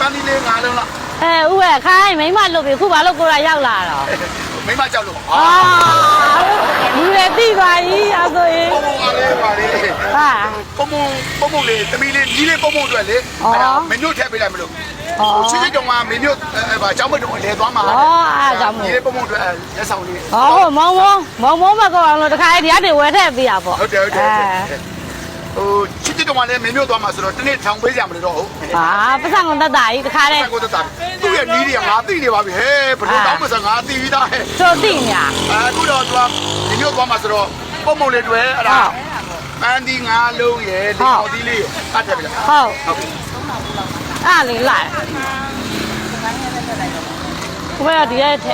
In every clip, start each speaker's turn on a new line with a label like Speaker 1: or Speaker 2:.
Speaker 1: ဒီလေးငါလုံးလား
Speaker 2: ဦးရဲ့ခိုင်းမိမလို့ပြီခုဘာလို့ကိုယ်ရောက်လာတော့
Speaker 1: မိမကြောက်လို့
Speaker 2: လူတွေတိပါကြီးအဲ့ဆိုရင်
Speaker 1: ပုံပုံကလေးပါလေ
Speaker 2: ဟာ
Speaker 1: ပုံလေးသမီးလေးကြီးလေးပုံအတွက်လေအဲ့ဒါမင်းတို့ထည့်ပေးလိုက်မလို့ချစ်ချစ်တုံးကမင်းတို့ဗာကျောင်းမတုံးလဲသွားမှာကြီးလေးပုံအတွက်လက်ဆောင်လေး
Speaker 2: မောင်မကောအောင်လို့တခါဒီကနေဝယ်ထည့်ပေးရပေါ့
Speaker 1: ဟုတ်တယ်ဟိုချစ်ချစ်တုံးကလည်းမင်းတို့သွားမှာဆိုတော့တနေ့ထောင်ပေးကြမလို့တော့ဟုတ်
Speaker 2: ပတ်စံကုန်တတ်တာကြီးတခါတည်း
Speaker 1: ကိုတတ်တာသူ့ရဲ့နီးတွေကငါသိနေပါပြီဟဲ့ဘလို့တောင်းမစငါသိပြီးသားဟဲ့
Speaker 2: တို့သိညာ
Speaker 1: အခုတော့သူကမင်းတို့သွားမှာဆိုတော့ပုံလေးတွေအဲ့ဒါပန်းဒီငါလုံးရဲ့ဒီပေါ်ဒီလေးအပ်တယ်ဗျာ
Speaker 2: ဟုတ်
Speaker 1: ဟုတ်ပြီ
Speaker 2: အဲ့လေးလိုက်ဘယ်ရဒီရဲ့ထက်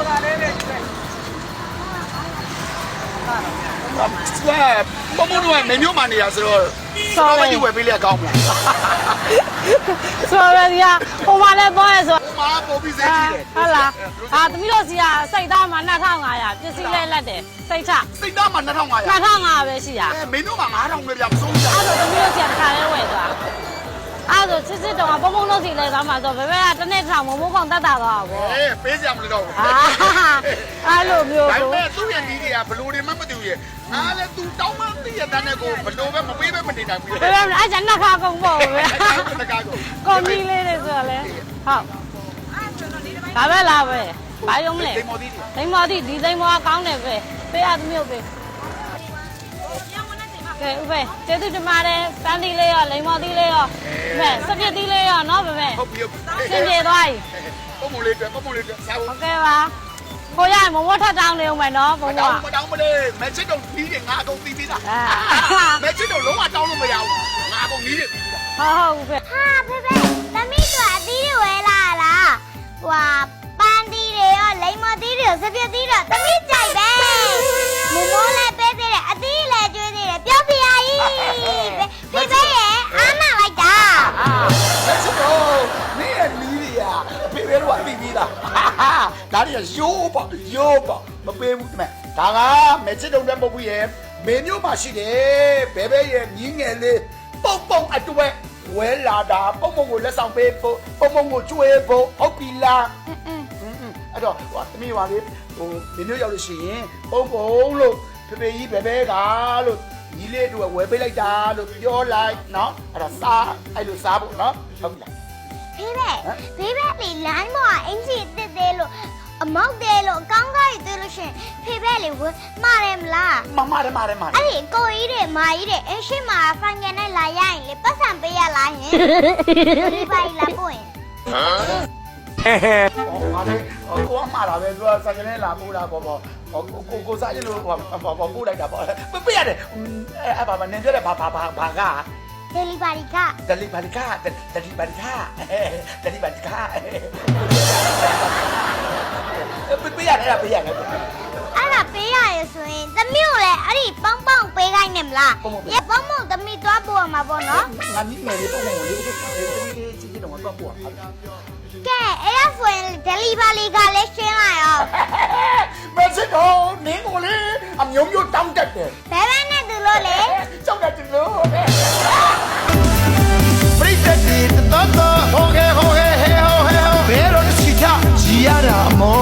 Speaker 1: ပုံပုံတော့မင်းမျိုးမှနေရဆိုတော့စော်ရည်ဝယ်ပေးလိုက်ကောင်းမလား
Speaker 2: ဆိုရရဟိုမှာလည်းသွားရဆို
Speaker 1: ဟိုမှာပုံပြီးစေးကြည့်တယ်
Speaker 2: ဟုတ်လားသမီးတို့စီကစိတ်သားမှာ2500ပစ္စည်းလဲလက်တယ်စိတ်ချ
Speaker 1: စိတ်သားမှာ2500
Speaker 2: 2500ပဲရှိရ
Speaker 1: မင်းတို့က9000ပဲပြမစိုးဘူး
Speaker 2: အဲ့ဒါသမီးတို့စီကတစ်ခါလဲဝယ်သွားအဲ့ဒါစစ်စစ်တော့ပုံပုံတို့စီလဲသွားမှာဆိုဘယ်ဘက်ကတစ်နေ့ထောင်မမိုးကောင်တတ်တာသွားပါဘော
Speaker 1: ပေးစရာမလိုတော့ဘူး
Speaker 2: အဲ့လိုမျိုး
Speaker 1: ဒါပေ
Speaker 2: ဆို
Speaker 1: မဲ့သူ့ရဲ့ဒီတွေကဘလို့တွေမှမသိဘူးရဲ့အားလည်းသူတောင်းမှသိရတဲ့ကိုဘလို့ပဲမပေးပဲမနေနိုင်ဘူး
Speaker 2: ဘယ်ဘက်အဲ့ကျန်နှစ်ခါကုန်ပေါ့ပဲ
Speaker 1: တကားကို
Speaker 2: ကွန်မီလေးတွေဆိုတော့လေဟုတ်ဒါပဲလားပဲဘာယုံမလဲ
Speaker 1: တိမ်မော်ဒီ
Speaker 2: သိမ်းမောဒီဒီသိမ်းမောကကောင်းတယ်ပဲပေးရသမီးတို့ပေးကဲဥပဲကျေးဇူးတင်ပါတယ်ပန်းသီးလေးရောလိမ္မော်သီးလေးရောပဲစပြစ်သီးလေးရောနော်ပဲပဲ
Speaker 1: ဟုတ်ပြီ
Speaker 2: စင်ပြေသွားပြီ
Speaker 1: ပုံလေးတွေပုံလေးတွေစားဖို့
Speaker 2: โอเคပါကိုရမမထထတောင်းနေဦးမယ်နော်ဘုံက
Speaker 1: တောင်းမတောင်းမလေးမချစ်တော့ပြီးတယ်ငါအကုန်ပြီးသားမချစ်တော့လုံးဝတောင်းလို့မရဘူးငါအကုန်ပြီးတယ်
Speaker 2: ဟုတ်ပဲ
Speaker 3: ဟာဖေဖေသမီးတို့အသီးတွေဝဲလာလားဟွာပန်းသီးတွေရောလိမ္မော်သီးတွေရောစပြစ်သီးတွေသမီးကြိုက်ပဲမမိုးလည်းပေးသေးတယ်အသီးလည်းကျွေးသေးတယ်ပြောပြရည်ဖေဖေရဲ့အားမလိုက်တာ
Speaker 1: မချစ်တော့မင်းရဲ့နီးတွေကဖေဖေတို့ကပြီးပြီးသားဒါတွေကရိုးပေါ့မပေးဘူးတဲ့ဒါကမချစ်တော့တဲ့ပုတ်ဘူးရဲ့မင်းမျိုးမှရှိတယ်ဘဲဘဲရဲ့ညီငယ်လေးပုံအတွဲဝဲလာတာပုံကိုလက်ဆောင်ပေးဖို့ပုံကိုကျွေးဖို့ဟုတ်ပြီလားအဲ့တော့ဟိုသမီးပါလေဟိုမင်းမျိုးရောက်လို့ရှိရင်ပုံလို့ဖေဖေကြီးဘဲဘဲကလို့ညီလေးတို့ဝဲပေးလိုက်တာလို့ပြောလိုက်နော်အဲ့ဒါစားအဲ့လိုစားဖို့နော်ဟုတ်ပြီလား
Speaker 3: ဖေဖေလေလိုင်းမောအင်ဂျီတစ်သေးလို့အမောက်သေးလို့အကောင်းကားကြီးသေးလို့ရှင်ဖေဖေလေဝမှားတယ်မလား
Speaker 1: မတယ်
Speaker 3: အဲ့ဒီကိုကြီးတွေမာကြီးတွေအရှိမာဖိုင်ငယ်နဲ့လာရရင်လေပတ်စံပေးရလားယင်ဒီပါလာပို့ရင်
Speaker 1: ငါလည်းကိုအမှားတာပဲသူကစကနေလာပို့တာပေါ့ကိုစားရင်လို့ပို့လိုက်တာပေါ့ပြရတယ်အဲ့ဘာနင်ပြောတဲ့ဘာက
Speaker 3: ဒယ်လီဗာရီက
Speaker 1: ဒလီဘာလီကာပြရတယ်
Speaker 3: အဲ့ဒါပေးရရဆိုရင်သမီးကိုလည်းအဲ့ဒီပေါင်းပေးခိုင်းနေမလားရေပေါင်းသမီးသွားပို့ရမှာပေါ့နော်
Speaker 1: ငါမိမယ်လေးပုံလေးချင်းတော့တော့ပို့
Speaker 3: ကဲအဲ့ဒါဆိုရင်ဒယ်လီဗာရီကလည်းရှင်းလိုက်အောင်
Speaker 1: မချစ်တော့နင်းကိုလေအမျိုးတောင်းတတ်တယ်
Speaker 3: ဘယ်ဘက်နဲ့သူလို့လေ
Speaker 1: ကြောက်တတ်လို့ပရိသတ်တွေတော်တော်ဟိုဟဲဘယ်တော့ချီချရတာမော